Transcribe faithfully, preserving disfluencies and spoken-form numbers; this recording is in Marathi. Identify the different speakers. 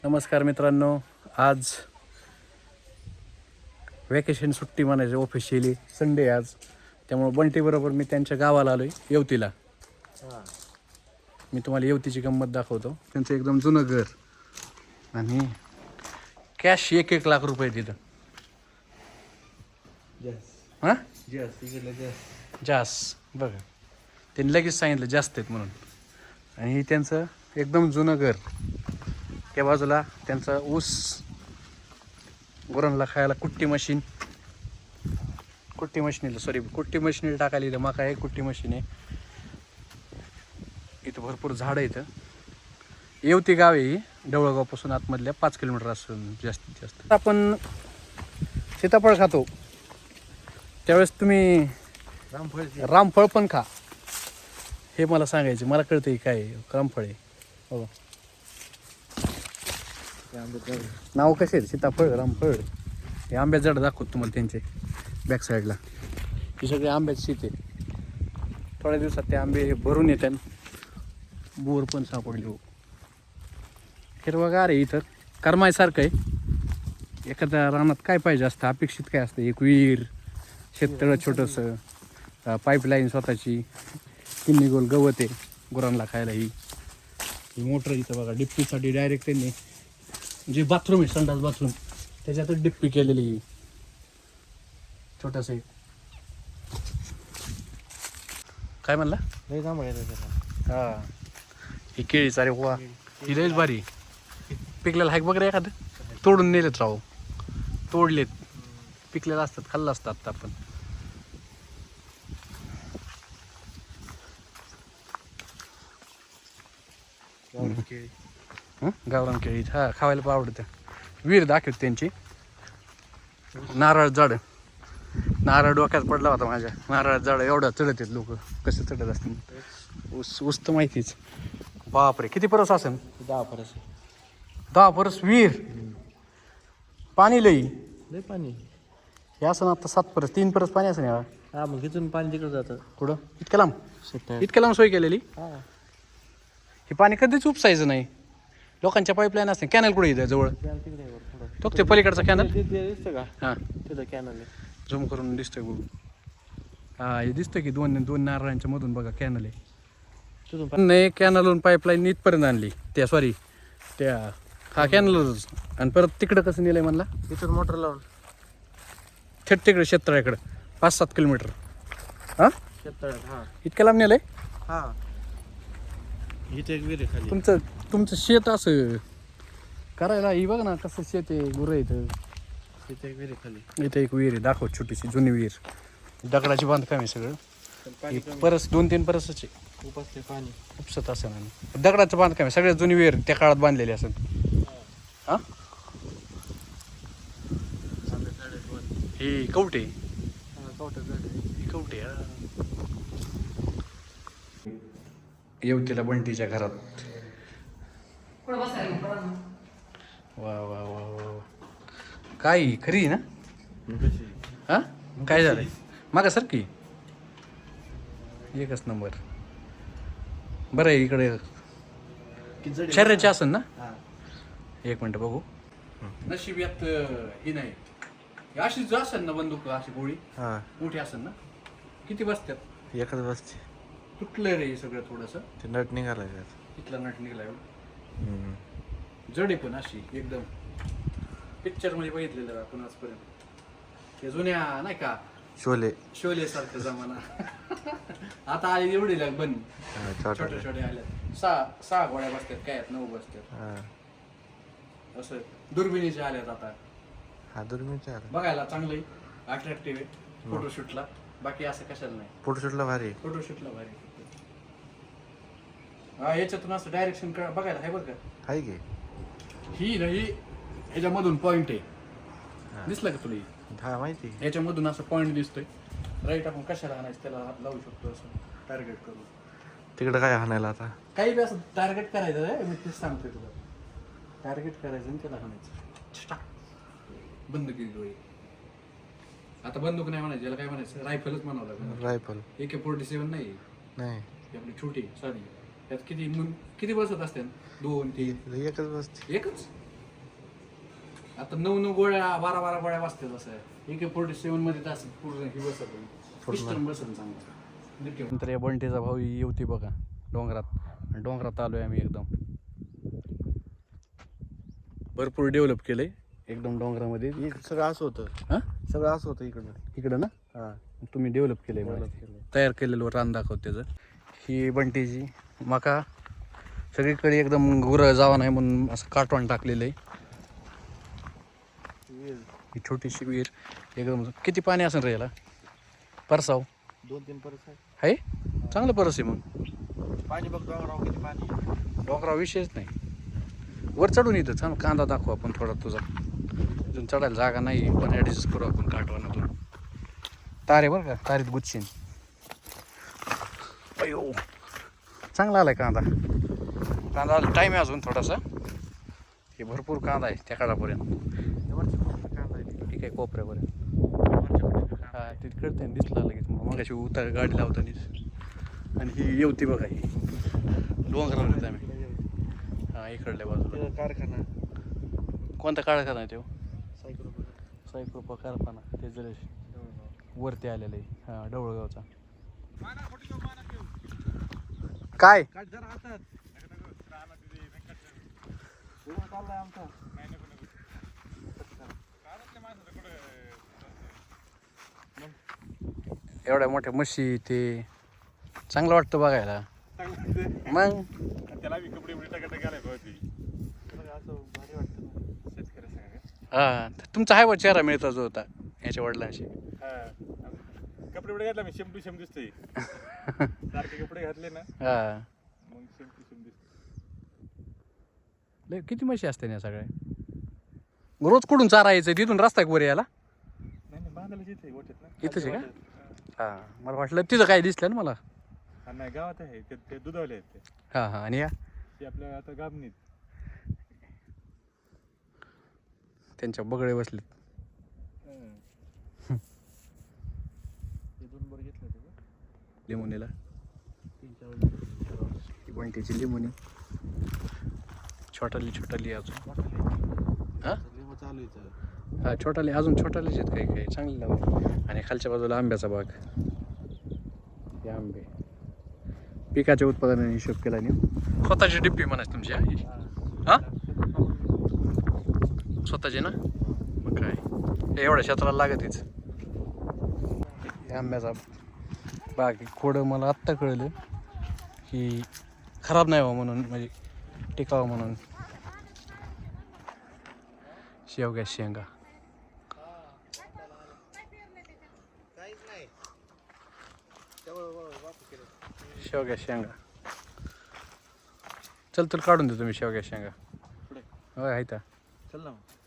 Speaker 1: नमस्कार मित्रांनो, आज वॅकेशन सुट्टी म्हणायची ऑफिशियली संडे आज, त्यामुळे बंटीबरोबर मी त्यांच्या गावाला आलो आहे येवतीला. मी तुम्हाला येवतीची गंमत दाखवतो. त्यांचं एकदम जुनं घर आणि कॅश एक एक लाख रुपये तिथं. हां जास बघा, त्यांनी लगेच सांगितलं जास्त आहेत म्हणून. आणि हे त्यांचं एकदम जुनं घर. त्या बाजूला त्यांचा ऊस, गुरांना खायला कुट्टी मशीन, कुट्टी मशीनीला सॉरी कुट्टी मशीनीला टाकायला इथं मका आहे, कुट्टी मशीन आहे. इथं भरपूर झाडं आहे. इथं येवती गाव आहे, ढवळगावपासून आतमधल्या पाच किलोमीटर असून जास्तीत जास्त. आपण सीताफळ खातो त्यावेळेस तुम्ही
Speaker 2: रामफळ
Speaker 1: रामफळ पण खा, हे मला सांगायचे. मला कळतं काय रामफळ आहे. हो, नाव कसे आहेत? सीताफळ, रामफळ. हे आंब्याचं झाड दाखवतो तुम्हाला त्यांचे बॅक साईडला. ही सगळी आंब्याची शेती आहे. थोड्या दिवसात ते आंबे भरून येतात. बोर पण सापडले हो, हिरवगार आहे. इथं करमायसारखं आहे. एखाद्या रानात काय पाहिजे असतं, अपेक्षित काय असतं? एक विहीर, शेततळं छोटंसं, पाईपलाईन स्वतःची, किन्नी गोल गवत आहे गुरांना खायला. ही ही मोटर इथं बघा, डिप्पीसाठी डायरेक्ट त्यांनी जे बाथरूम आहे, संडास बाथरूम, त्याच्यातच डिप्पी केलेली छोटंसं. काय म्हणला?
Speaker 2: लय जांभळ येतं त्याला.
Speaker 1: हां, ही केळी सारे वा, ही लयच भारी पिकलेलं हाय बघ रे. एखादं तोडून नेलेत राव, तोडलेत, पिकलेलं असतात, खाल्लं असतं आत्ता आपण.
Speaker 2: केळी
Speaker 1: हं गावरान केळी हा खावायला पण आवडतं. विहीर दाखवत त्यांची. नारळ झाड, नारळ डोक्यात पडला होता माझ्या. नारळ झाड एवढा चढत आहेत लोक, कसे चढत असतील. ऊस ऊस तर माहितीच. बापरे, किती परस असेल?
Speaker 2: दहा परस
Speaker 1: दहा परस विहीर. पाणी लई
Speaker 2: लय पाणी.
Speaker 1: हे असं ना आता सात परस, तीन परस पाणी असं नाही.
Speaker 2: हा, मग इथून पाणी तिकडे जातं.
Speaker 1: कुठं? इतक्या लांब?
Speaker 2: शेतात.
Speaker 1: इतक्या लांब सोय केलेली.
Speaker 2: हा,
Speaker 1: हे पाणी कधीच उपसायचं नाही. लोकांच्या पाईपलाईन असते. कॅनल कुठे इथं जवळ?
Speaker 2: कॅनल तिकडे आहे वर थोडं.
Speaker 1: तो ते पलीकडचा कॅनल.
Speaker 2: ते- ते दिसतं का?
Speaker 1: हां,
Speaker 2: तिथं कॅनल आहे.
Speaker 1: झूम करून दिसतोय बघू. हा, हे दिसतं की दोन दोन नारळांच्या मधून बघा कॅनल आहे.
Speaker 2: तिथून पाणी.
Speaker 1: नाही, कॅनलवरून पाईपलाईन इथपर्यंत आणली. त्या सॉरी त्या हा कॅनलच. आणि परत तिकडं कसं नेलंय म्हणला?
Speaker 2: इथून मोटर लावून
Speaker 1: थेट तिकडे शेततळ्याकडं पाच सात किलोमीटर. हां,
Speaker 2: शेततळ्यात. हा
Speaker 1: इतक्या लांब नेलंय.
Speaker 2: हा, इथे एक विहीर आहे खाली.
Speaker 1: तुमचं तुमचं शेत असं करायला. ही बघ ना कसं शेत आहे, गुरं इथं.
Speaker 2: इथे एक विहीर आहे खाली.
Speaker 1: इथं एक विहीर आहे, दाखव, छोटीशी जुनी विहीर. दगडाची बांधकाम आहे सगळं.
Speaker 2: पण पाणी
Speaker 1: ही
Speaker 2: कमी.
Speaker 1: परस दोन तीन परसच आहे.
Speaker 2: उपसते पाणी.
Speaker 1: उपसत असेल आणि दगडाचं बांधकाम आहे. सगळ्यात जुनी विहीर त्या काळात बांधलेली असेल. हां,
Speaker 2: आंबे झाड आहेत वर.
Speaker 1: ही कवटे,
Speaker 2: हा, कवठं झाड आहे.
Speaker 1: ही कवटे. हा, येवतीला बंटीच्या घरात. वा वा वा वा, काय खरी ना?
Speaker 2: मग कशी?
Speaker 1: हा, काय झालंय मागा सर की एकच नंबर. बरं आहे इकडे
Speaker 2: किती जड आहे?
Speaker 1: शरीराची असेल ना?
Speaker 2: हा.
Speaker 1: एक मिनटं बघू. नशीब यात ही नाही. अशी जो असेल ना बंदूक, अशी गोळी
Speaker 2: हा,
Speaker 1: मोठी असेल ना. किती बसतात?
Speaker 2: एकच बसते.
Speaker 1: तुटलंय रे हे सगळं थोडंसं.
Speaker 2: ते नट निघालाय त्यात.
Speaker 1: इथला नट निघाला एवढं.
Speaker 2: हम्म.
Speaker 1: जड आहे पण अशी एकदम. पिक्चर मध्ये बघितलेलं आपण आजपर्यंत. ते जुन्या नाही का
Speaker 2: शोले.
Speaker 1: शोले सारखं जमाना. आता आली एवढी लाग बन
Speaker 2: हा,
Speaker 1: छोट्या
Speaker 2: छोटे.
Speaker 1: छोट्या आल्या. सहा सहा गोळ्या बसतात काय आहेत, नऊ बसतात.
Speaker 2: हा,
Speaker 1: असं दुर्बिणीच्या आल्यात आता.
Speaker 2: हा दुर्मिळचा आला.
Speaker 1: बघायला चांगलं अट्रॅक्टिव्ह आहे फोटोशूटला. बाकी असं कशाला नाही.
Speaker 2: फोटोशूटला भारी.
Speaker 1: फोटोशूटला भारी. हा, याच्यातून असं डायरेक्शन बघायला आहे बघ का.
Speaker 2: आहे की.
Speaker 1: ही नाही, ह्याच्यामधून पॉइंट आहे.
Speaker 2: हा.
Speaker 1: दिसलं का तुला?
Speaker 2: हा, माहिती.
Speaker 1: ह्याच्यामधून असं पॉइंट दिसतोय. राईट, आपण कशाला आणायचं त्याला हात लावू शकतो असं टार्गेट करून.
Speaker 2: तिकडं काय हाणायला आता?
Speaker 1: काही बी असं टार्गेट करायचं आहे, मी तेच सांगतोय तुला. टार्गेट करायचं आणि त्याला हाणायचं. बंदूक डोळे. आता बंदूक नाही म्हणायचं, याला काय म्हणायचं? रायफलच म्हणावं लागेल.
Speaker 2: रायफल
Speaker 1: ए के फोर्टी सेवन नाही,
Speaker 2: नाही.
Speaker 1: ही आपली छोटी साधी. त्यात किती मुं- किती बसत असते? दोन तीन
Speaker 2: एकच बसते.
Speaker 1: एकच. आता नऊ नऊ गोळ्या बारा बारा गोळ्या वाजतात असं आहे. ए के फोर्टी सेवन मध्ये तास पूर्ण ही बसत पिस्टन बसन चांगलं. नंतर या बंटीचा भाऊ येवती बघा डोंगरात, आणि डोंगरात आलोय आम्ही एकदम. भरपूर डेव्हलप केलंय एकदम डोंगरामध्ये.
Speaker 2: इकडं सगळं असं होतं.
Speaker 1: हा
Speaker 2: सगळं असं होतं इकडं.
Speaker 1: इकडं ना
Speaker 2: हा
Speaker 1: तुम्ही डेव्हलप केलंय मला.
Speaker 2: डेव्हलप केलंय.
Speaker 1: तयार केलेलं रान दाखवत त्याचं. ही बंटीची मका सगळीकडे एकदम गुरं जावा नाही म्हणून असं काटवण टाकलेलं आहे.
Speaker 2: विहीर.
Speaker 1: ही छोटीशी विहीर एकदम. किती पाणी असेल रे याला? परसाव
Speaker 2: दोन तीन परस आहे.
Speaker 1: आहे चांगलं परस आहे मग.
Speaker 2: पाणी बघ डोंगरावर किती पाणी.
Speaker 1: डोंगराव विषयच नाही. वर चढून येतं छान. कांदा दाखवू आपण थोडा तुझा. इथून चढायला जागा नाही पण ॲडजस्ट करू आपण काटवानातून. तारे बरं का, तारीत गुच्छीन. अयो चांगला आलाय कांदा. कांदा टाईम आहे अजून थोडासा. हे भरपूर कांदा आहे त्या काळापर्यंत. ठीक आहे कोपऱ्यापर्यंत. हा ते कळते दिसला लगेच मग अशी उतार गाडी लावतानीच. आणि ही येवती बघा ही डोंगरावर येत आम्ही. हा इकडल्या बाजूला
Speaker 2: कारखाना.
Speaker 1: कोणता कारखाना आहे तो?
Speaker 2: सायकल.
Speaker 1: सायकोपा कारखाना. ते जर वरती आलेलं आहे. हा डवळगावचा. काय एवढ्या मोठ्या म्हशी ते चांगलं वाटतं बघायला. मग
Speaker 2: त्याला कपडे घालायला पाहिजे. असं भारी वाटतं ना शेतकऱ्यासंग.
Speaker 1: हा तुमचा हाय बा चेहरा मिळता जो होता याच्या वडिलांशी.
Speaker 2: कपडे बिपडे घातला मी शेम टू शेम दिसतोय. सारखे कपडे घातले ना
Speaker 1: हा
Speaker 2: मग शेम टू शेम दिसतोय.
Speaker 1: लय किती म्हशी असते ना सगळ्या. रोज कुठून चारा यायचं तिथून रस्ता वर यायला?
Speaker 2: नाही नाही बांधायला जिथे गोठ्यात ना.
Speaker 1: इथंच आहे का? हा मला वाटलं तिथं काय दिसलं ना मला.
Speaker 2: हा नाही गावात आहे ते. ते दुधावले आहेत ते.
Speaker 1: हा हा आणि या
Speaker 2: ते आपल्या आता गाबणीत
Speaker 1: त्यांच्या बगळे बसलेत.
Speaker 2: ते दोन बर घेतलं होतं का
Speaker 1: लिमोनीला.
Speaker 2: तीन चार.
Speaker 1: ही बंटीची लिमोनी छोटाली छोटाली अजून. हा
Speaker 2: लिंबू चालू आहे.
Speaker 1: हा छोटाली अजून छोटालीच आहेत काही काही चांगली लावली. आणि खालच्या बाजूला आंब्याचा बाग. हे आंबे पिकाच्या उत्पादनाने हिशोब केला नाही. स्वतःची डिप्पी म्हणायची तुमची? हा स्वतःची ना मग काय हे एवढ्या क्षेत्राला लागतच. हे आंब्याचा बाग खोडं मला आत्ता कळलं की खराब नाही व्हावं म्हणून, म्हणजे टिकावं म्हणून. शेवग्या शेंगा शेवग्या शेंगा चल तुला काढून देतो मी शेवग्या शेंगा. होय आहे.
Speaker 2: चल ना.